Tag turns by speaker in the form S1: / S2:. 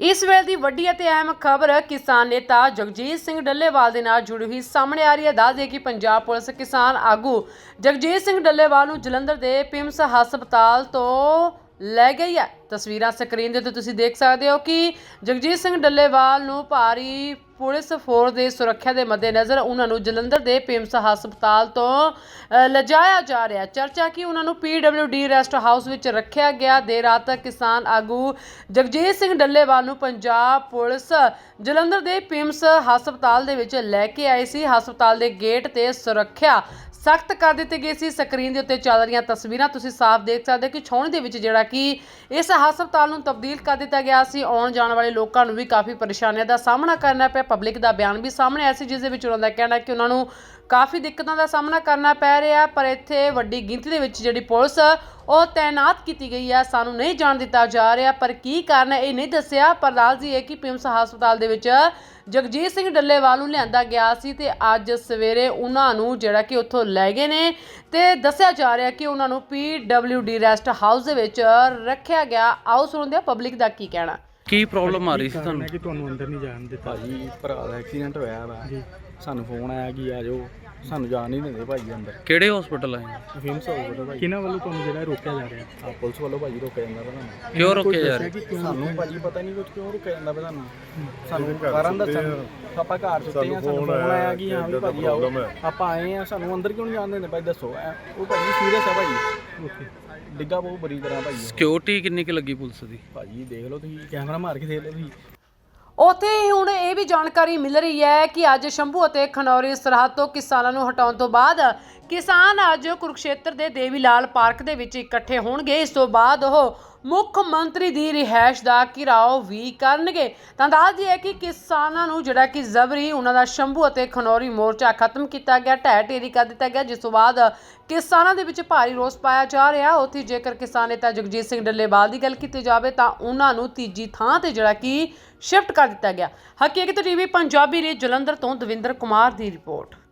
S1: ਇਸ ਵੇਲੇ ਦੀ ਵੱਡੀ ਅਤੇ ਅਹਿਮ ਖਬਰ ਕਿਸਾਨ ਨੇਤਾ ਜਗਜੀਤ ਸਿੰਘ ਡੱਲੇਵਾਲ ਦੇ ਨਾਲ ਜੁੜੀ ਹੋਈ ਸਾਹਮਣੇ ਆ ਰਹੀ ਹੈ। ਦੱਸ ਦਈਏ ਕਿ ਪੰਜਾਬ ਪੁਲਿਸ ਕਿਸਾਨ ਆਗੂ ਜਗਜੀਤ ਸਿੰਘ ਡੱਲੇਵਾਲ ਨੂੰ ਜਲੰਧਰ ਦੇ ਪਿਮਸ ਹਸਪਤਾਲ ਤੋਂ ਲੈ ਗਈ ਹੈ। ਤਸਵੀਰਾਂ ਸਕਰੀਨ ਦੇ ਉੱਤੇ ਤੁਸੀਂ ਦੇਖ ਸਕਦੇ ਹੋ ਕਿ ਜਗਜੀਤ ਸਿੰਘ ਡੱਲੇਵਾਲ ਨੂੰ ਭਾਰੀ ਪੁਲਿਸ ਫੋਰਸ ਦੇ ਸੁਰੱਖਿਆ ਦੇ ਮੱਦੇਨਜ਼ਰ ਉਹਨਾਂ ਨੂੰ ਜਲੰਧਰ ਦੇ ਪਿਮਸ ਹਸਪਤਾਲ ਤੋਂ ਲਿਜਾਇਆ ਜਾ ਰਿਹਾ। ਚਰਚਾ ਕਿ ਉਹਨਾਂ ਨੂੰ PWD ਰੈਸਟ ਹਾਊਸ ਵਿੱਚ ਰੱਖਿਆ ਗਿਆ। ਦੇਰ ਰਾਤ ਕਿਸਾਨ ਆਗੂ ਜਗਜੀਤ ਸਿੰਘ ਡੱਲੇਵਾਲ ਨੂੰ ਪੰਜਾਬ ਪੁਲਿਸ ਜਲੰਧਰ ਦੇ ਪਿਮਸ ਹਸਪਤਾਲ ਦੇ ਵਿੱਚ ਲੈ ਕੇ ਆਈ ਸੀ। ਹਸਪਤਾਲ ਦੇ ਗੇਟ ਤੇ ਸੁਰੱਖਿਆ ਸਖਤ ਕਰ ਦਿੱਤੀ ਗਈ ਸੀ। ਸਕਰੀਨ ਦੇ ਉੱਤੇ ਚੱਲ ਰਹੀਆਂ ਤਸਵੀਰਾਂ ਤੁਸੀਂ ਸਾਫ਼ ਦੇਖ ਸਕਦੇ ਹੋ ਕਿ ਛਾਉਣੀ ਦੇ ਵਿੱਚ ਜਿਹੜਾ ਕਿ ਇਸ ਹਸਪਤਾਲ ਨੂੰ ਤਬਦੀਲ ਕਰ ਦਿੱਤਾ ਗਿਆ ਸੀ। ਆਉਣ ਜਾਣ ਵਾਲੇ ਲੋਕਾਂ ਨੂੰ ਵੀ ਕਾਫੀ ਪਰੇਸ਼ਾਨੀਆਂ ਦਾ ਸਾਹਮਣਾ ਕਰਨਾ ਪਿਆ। ਪਬਲਿਕ ਦਾ ਬਿਆਨ ਵੀ ਸਾਹਮਣੇ ਆਇਆ ਸੀ ਜਿਸ ਦੇ ਵਿੱਚ ਉਹਨਾਂ ਦਾ ਕਹਿਣਾ ਕਿ ਉਹਨਾਂ ਨੂੰ ਕਾਫੀ ਦਿੱਕਤਾਂ ਦਾ ਸਾਹਮਣਾ ਕਰਨਾ ਪੈ ਰਿਹਾ, ਪਰ ਇੱਥੇ ਵੱਡੀ ਗਿਣਤੀ ਦੇ ਵਿੱਚ ਜਿਹੜੀ ਪੁਲਿਸ ਉਹ ਤੈਨਾਤ ਕੀਤੀ ਗਈ ਹੈ। ਸਾਨੂੰ ਨਹੀਂ ਜਾਣ ਦਿੱਤਾ ਜਾ ਰਿਹਾ, ਪਰ ਕੀ ਕਾਰਨ ਹੈ ਇਹ ਨਹੀਂ ਦੱਸਿਆ। ਪਰ ਦੱਸ ਦਈਏ ਕਿ ਪਿਮਸ ਹਸਪਤਾਲ ਦੇ ਵਿੱਚ ਜਗਜੀਤ ਸਿੰਘ ਡੱਲੇਵਾਲ ਨੂੰ ਲਿਆਂਦਾ ਗਿਆ ਸੀ ਤੇ ਅੱਜ ਸਵੇਰੇ ਉਹਨਾਂ ਨੂੰ ਜਿਹੜਾ ਕਿ ਉੱਥੋਂ ਲੈ ਗਏ ਨੇ ਤੇ ਦੱਸਿਆ ਜਾ ਰਿਹਾ ਕਿ ਉਹਨਾਂ ਨੂੰ PWD ਰੈਸਟ ਹਾਊਸ ਦੇ ਵਿੱਚ ਰੱਖਿਆ ਗਿਆ। ਆਓ ਸੁਣਦੇ ਹਾਂ ਪਬਲਿਕ ਦਾ ਕੀ ਕਹਿਣਾ।
S2: ਕੀ ਪ੍ਰੋਬਲਮ ਆ ਰਹੀ ਸੀ ਤੁਹਾਨੂੰ?
S3: ਕਿ ਤੁਹਾਨੂੰ ਅੰਦਰ ਨਹੀਂ ਜਾਣ ਦਿੱਤਾ
S4: ਭਾਜੀ ਭਰਾ ਦਾ ਐਕਸੀਡੈਂਟ ਹੋਇਆ ਵਾ
S3: ਜੀ।
S4: ਸਾਨੂੰ ਫੋਨ ਆਇਆ ਕਿ ਆ ਜਾਓ, ਸਾਨੂੰ ਜਾਣ ਨਹੀਂ ਦਿੰਦੇ ਭਾਜੀ ਅੰਦਰ।
S2: ਕਿਹੜੇ ਹਸਪੀਟਲ ਆਏ?
S4: ਫੇਮਸ ਹੋ ਗਿਆ ਭਾਜੀ।
S3: ਕਿਹਨਾਂ ਵੱਲੋਂ ਤੁਹਾਨੂੰ ਜਿਹੜਾ ਰੋਕਿਆ ਜਾ ਰਿਹਾ?
S4: ਆ ਪੁਲਿਸ ਵੱਲੋਂ ਭਾਜੀ ਰੋਕਿਆ ਜਾਂਦਾ ਵਾ ਸਾਨੂੰ।
S2: ਕਿਉਂ ਰੋਕੇ ਜਾ ਰਹੇ?
S4: ਸਾਨੂੰ ਭਾਜੀ ਪਤਾ ਨਹੀਂ ਕੁਝ ਕਿਉਂ ਰੋਕਿਆ ਜਾਂਦਾ ਵਾ ਸਾਨੂੰ ਕਾਰਨ ਦੱਸਣ। ਆਪਾਂ ਘਰ ਸੁੱਤੇ ਆ, ਸਾਨੂੰ ਫੋਨ ਆਇਆ ਕਿ ਹਾਂ ਵੀ ਭਾਜੀ ਆਓ, ਆਪਾਂ ਆਏ ਆ, ਸਾਨੂੰ ਅੰਦਰ ਕਿਉਂ ਨਹੀਂ ਜਾਣ ਦਿੰਦੇ ਭਾਈ ਦੱਸੋ। ਉਹ ਭਾਜੀ ਸੀਰੀਅਸ ਆ ਭਾਜੀ, ਡਿੱਗਾ ਬਹੁਤ ਬੁਰੀ ਤਰ੍ਹਾਂ ਭਾਜੀ।
S2: ਸਿਕਿਉਰਿਟੀ ਕਿੰਨੀ ਕੁ ਲੱਗੀ ਪੁਲਿਸ ਦੀ?
S4: ਭਾਜੀ ਦੇਖ ਲਓ ਤੁਸੀਂ, ਕੈਮਰਾ ਮਾਰ ਕੇ ਦੇਖ ਲਓ ਤੁਸੀਂ।
S1: ਉੱਥੇ ਹੀ ਹੁਣ ਇਹ ਵੀ ਜਾਣਕਾਰੀ ਮਿਲ ਰਹੀ ਹੈ ਕਿ ਅੱਜ ਸ਼ੰਭੂ ਅਤੇ ਖਨੌਰੀ ਸਰਹੱਦ ਤੋਂ ਕਿਸਾਨਾਂ ਨੂੰ ਹਟਾਉਣ ਤੋਂ ਬਾਅਦ ਕਿਸਾਨ ਅੱਜ ਕੁਰੂਕਸ਼ੇਤਰ ਦੇ ਦੇਵੀ ਲਾਲ ਪਾਰਕ ਦੇ ਵਿੱਚ ਇਕੱਠੇ ਹੋਣਗੇ। ਇਸ ਤੋਂ ਬਾਅਦ ਉਹ ਮੁੱਖ ਮੰਤਰੀ ਦੀ ਰਿਹਾਇਸ਼ ਦਾ ਘਿਰਾਓ ਵੀ ਕਰਨਗੇ। ਤਾਂ ਦੱਸ ਦਈਏ ਕਿ ਕਿਸਾਨਾਂ ਨੂੰ ਜਿਹੜਾ ਕਿ ਜ਼ਬਰੀ ਉਹਨਾਂ ਦਾ ਸ਼ੰਭੂ ਅਤੇ ਖਨੌਰੀ ਮੋਰਚਾ ਖਤਮ ਕੀਤਾ ਗਿਆ, ਢਹਿ ਢੇਰੀ ਕਰ ਦਿੱਤਾ ਗਿਆ, ਜਿਸ ਤੋਂ ਬਾਅਦ ਕਿਸਾਨਾਂ ਦੇ ਵਿੱਚ ਭਾਰੀ ਰੋਸ ਪਾਇਆ ਜਾ ਰਿਹਾ। ਉੱਥੇ ਜੇਕਰ ਕਿਸਾਨ ਨੇਤਾ ਜਗਜੀਤ ਸਿੰਘ ਡੱਲੇਵਾਲ ਦੀ ਗੱਲ ਕੀਤੀ ਜਾਵੇ ਤਾਂ ਉਹਨਾਂ ਨੂੰ ਤੀਜੀ ਥਾਂ ਤੇ ਜਿਹੜਾ ਕਿ ਸ਼ਿਫਟ ਕਰ ਦਿੱਤਾ ਗਿਆ। ਹਕੀਕਤ TV ਪੰਜਾਬੀ ਲਈ ਜਲੰਧਰ ਤੋਂ ਦਵਿੰਦਰ ਕੁਮਾਰ ਦੀ ਰਿਪੋਰਟ।